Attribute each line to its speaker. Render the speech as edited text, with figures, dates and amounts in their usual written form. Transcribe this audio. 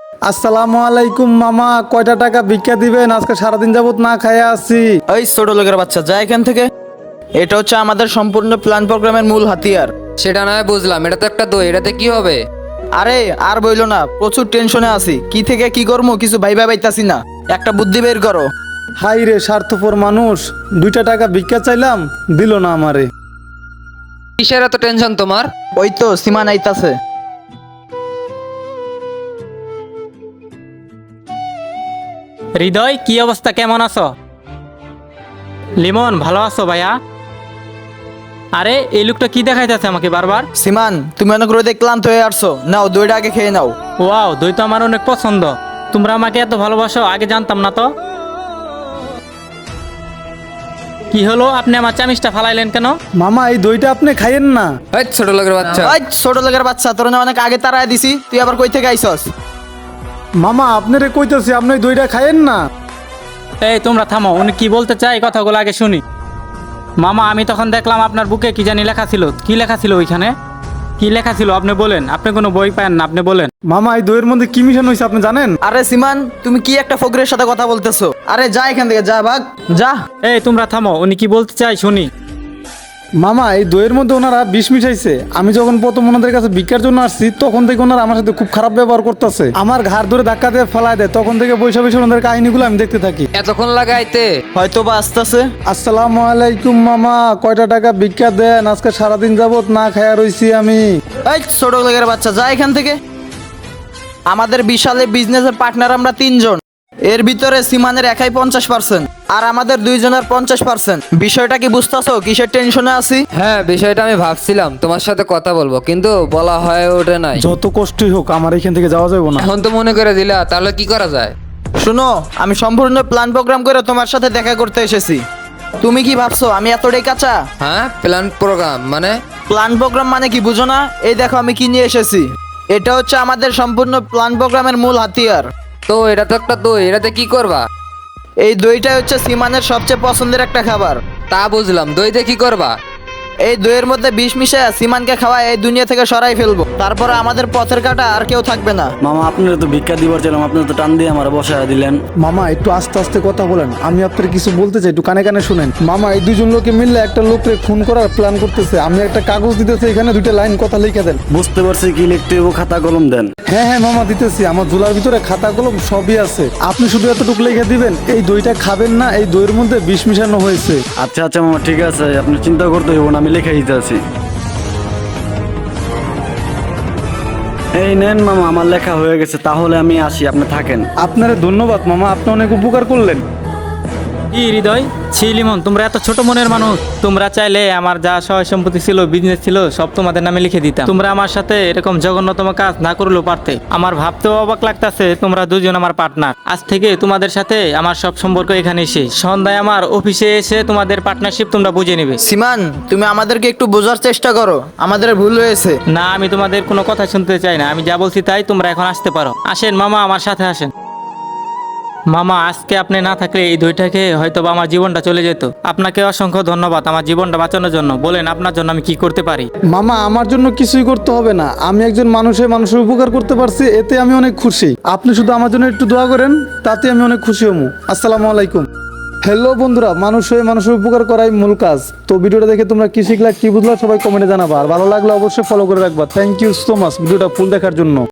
Speaker 1: আসসালামু আলাইকুম মামা, কয়টা টাকা ভিক্ষা দিবেন? আজকে সারাদিন যাবত না খাইয়া আছি।
Speaker 2: এই ছোট লোকের বাচ্চা, যা এখান থেকে। এটা হচ্ছে আমাদের সম্পূর্ণ প্ল্যান প্রোগ্রামের মূল হাতিয়ার।
Speaker 3: সেটা নয় বুঝলাম, এটা তো একটা দই, এটাতে কি হবে?
Speaker 2: আরে আর বইলো না, প্রচুর টেনশনে আছি। কি থেকে কি করবো কিছু ভাইবা পাইতাছি না। একটা বুদ্ধি বের করো।
Speaker 1: হাই রে স্বার্থপর মানুষ, 2টা টাকা ভিক্ষা চাইলাম, দিল না আমারে।
Speaker 3: কিসের এত টেনশন তোমার?
Speaker 2: ওই তো সীমা নাইতাছে।
Speaker 4: হৃদয়, কি অবস্থা, কেমন আছো? লিমন, ভালো আছো ভাইয়া? আরে এই লোকটা কি দেখাইতেছে আমাকে বারবার?
Speaker 2: সীমান, তুমি অনেক রোদে ক্লান্ত হয়ে আসছো, নাও দইটা আগে খেয়ে নাও।
Speaker 4: ওয়াও, দই তো আমার অনেক পছন্দ। তোমরা আমাকে এত ভালোবাসো, আগে জানতাম না তো। কি হলো, আপনি আমার চামিচটা ফালাইলেন কেন?
Speaker 1: মামা এই দইটা আপনি খাইয়েন না।
Speaker 3: এই ছোট লোকের বাচ্চা,
Speaker 2: ওই ছোট লোকের বাচ্চা, তোর না অনেক আগে তাড়ায় দিছি, তুই আবার কই থেকে আইছস?
Speaker 1: মামা আপনারে কইতেছি, আপনি ওই দইটা খাইয়েন না।
Speaker 4: এই তোমরা থামো, উনি কি বলতে চাই কথাগুলো আগে শুনি। মামা, আমি তখন দেখলাম আপনার বুকে কি জানি লেখা ছিল। কি লেখা ছিল ওইখানে? কি লেখা ছিল আপনি বলেন। আপনি কোনো বই পান না, আপনি বলেন।
Speaker 1: মামা এই দইয়ের মধ্যে কি মিশানো হয়েছে আপনি জানেন?
Speaker 2: আরে সীমান, তুমি কি একটা ফকরের সাথে কথা বলতেছো? আরে যা এখান থেকে, যা ভাগ যা।
Speaker 4: এই তোমরা থামো, উনি কি বলতে চাই শুনি।
Speaker 1: মামা এই দইয়ের মধ্যে ওনারা বিষ মিশাইছে। আমি যখন প্রথম ওনাদের কাছে ভিক্ষার জন্য আসছি, তখন থেকে ওনারা আমার সাথে খুব খারাপ ব্যবহার করতেছে। আমার ঘাড় ধরে ধাক্কা দিয়ে ফেলায় দেয়। তখন থেকে বৈশা বৈশা ওনাদের কাহিনীগুলো আমি দেখতে থাকি।
Speaker 3: এতক্ষণ লাগাইতে?
Speaker 2: হয়তো বা আসতেছে।
Speaker 1: আসসালামু আলাইকুম মামা, কয়টা টাকা ভিক্ষা দেন? আজকে সারাদিন যাবত না খাইয়া রইছি আমি।
Speaker 2: এই ছোট লোকের বাচ্চা, যা এখান থেকে। আমাদের বিশালে বিজনেসের পার্টনার আমরা 3 জন। এর ভিতরে সীমানের একাই 50% আর আমাদের 2 জনের 50%। বিষয়টা কি বুঝতেছো? কিসের টেনশনে আছি?
Speaker 3: হ্যাঁ, বিষয়টা আমি ভাবছিলাম তোমার সাথে কথা বলবো, কিন্তু বলা হয় ওঠে নাই।
Speaker 1: যত কষ্টই হোক আমার এখান থেকে যাওয়া যাবে না।
Speaker 3: এখন তো মনে করে দিলা, তাহলে কি করা যায়?
Speaker 2: শুনো, আমি সম্পূর্ণ প্ল্যান প্রোগ্রাম করে তোমার সাথে দেখা করতে এসেছি। তুমি কি ভাবছো আমি এতটাই কাঁচা?
Speaker 3: হ্যাঁ, প্ল্যান প্রোগ্রাম মানে?
Speaker 2: প্ল্যান প্রোগ্রাম মানে কি বুঝো না? এই দেখো আমি কি নিয়ে এসেছি। এটা হচ্ছে আমাদের সম্পূর্ণ প্ল্যান প্রোগ্রামের মূল হাতিয়ার।
Speaker 3: তো এটা তো একটা দই, এটাতে কি করবা?
Speaker 2: এই দইটা হচ্ছে সীমানের সবচেয়ে পছন্দের একটা খাবার।
Speaker 3: তা বুঝলাম, দইতে কি করবা?
Speaker 2: এই দইয়ের মধ্যে বিষ মিশিয়ে সীমানকে খাওয়া এই দুনিয়া থেকে সরাই ফেলবো। তারপরে আমাদের পথের কাটা আর কেউ থাকবে না।
Speaker 5: মামা আপনারা তো ভিক্ষা দিবার ছিলাম, আপনারা তো টান দিয়ে আমার বসায় দিলেন।
Speaker 1: মামা একটু আস্তে আস্তে কথা বলেন, আমি আপনার কিছু বলতে চাই, একটু কানে কানে শুনেন। মামা এই 2জন লোকে মিললে একটা লোককে খুন করার প্ল্যান করতেছে। আমি একটা কাগজ দিতেছি, এখানে 2টা লাইন কথা লিখে দেন।
Speaker 5: বুঝতে পারছি, কি লিখতে হইব, খাতা কলম দেন।
Speaker 1: হ্যাঁ হ্যাঁ মামা দিতেছি, আমার ঝোলার ভিতরে খাতা কলম সবই আছে। আপনি শুধু এতটুকু লিখে দিবেন, এই দইটা খাবেন না, এই দইয়ের মধ্যে বিষ মিশানো হয়েছে।
Speaker 5: আচ্ছা আচ্ছা মামা, ঠিক আছে, আপনি চিন্তা করতে হইব না, আমি লিখে দিতে আছি। এই নেন মামা, আমার লেখা হয়ে গেছে, তাহলে আমি আসি, আপনি থাকেন।
Speaker 1: আপনারে ধন্যবাদ মামা, আপনি অনেক উপকার করলেন।
Speaker 4: কি হৃদয়, ছি লিমন, তোমরা এত ছোট মনের মানুষ। তোমরা চাইলে আমার যা সহায় সম্পত্তি ছিল, বিজনেস ছিল, সব তোমাদের নামে লিখে দিতাম। তোমরা আমার সাথে এরকম জঘন্যতম কাজ না করলেও পারতে। আমার ভাবতেও অবাক লাগতাছে, তোমরা 2জন আমার পার্টনার। আজ থেকে তোমাদের সাথে আমার সব সম্পর্ক এখানে শেষ। সন্ধ্যায় আমার অফিসে এসে তোমাদের পার্টনারশিপ তোমরা বুঝে নেবে।
Speaker 2: সীমান, তুমি আমাদেরকে একটু বোঝার চেষ্টা করো, আমাদের ভুল হয়েছে।
Speaker 4: না, আমি তোমাদের কোনো কথা শুনতে চাই না। আমি যা বলছি তাই, তোমরা এখন আসতে পারো। আসেন মামা, আমার সাথে আসেন। মামা, আজকে আপনি না থাকলে এই দইটাকে হয়তো বা আমার জীবনটা চলে যেত। আপনাকে অসংখ্য ধন্যবাদ আমার জীবনটা বাঁচানোর জন্য। বলেন, আপনার জন্য আমি কি করতে পারি?
Speaker 1: মামা আমার জন্য কিছুই করতে হবে না, আমি একজন মানুষের উপকার করতে পারছি, এতে আমি অনেক খুশি। আপনি শুধু আমার জন্য একটু দোয়া করেন, তাতে আমি অনেক খুশি হবো। আসসালামু আলাইকুম। হ্যালো বন্ধুরা, মানুষের উপকার করাই মূল কাজ। তো ভিডিওটা দেখে তোমরা কি শিখলা, কি বুঝলা, সবাই কমেন্টে জানাবা। আর ভালো লাগলে অবশ্যই ফলো করে রাখবা। থ্যাংক ইউ সো মাচ ভিডিওটা ফুল দেখার জন্য।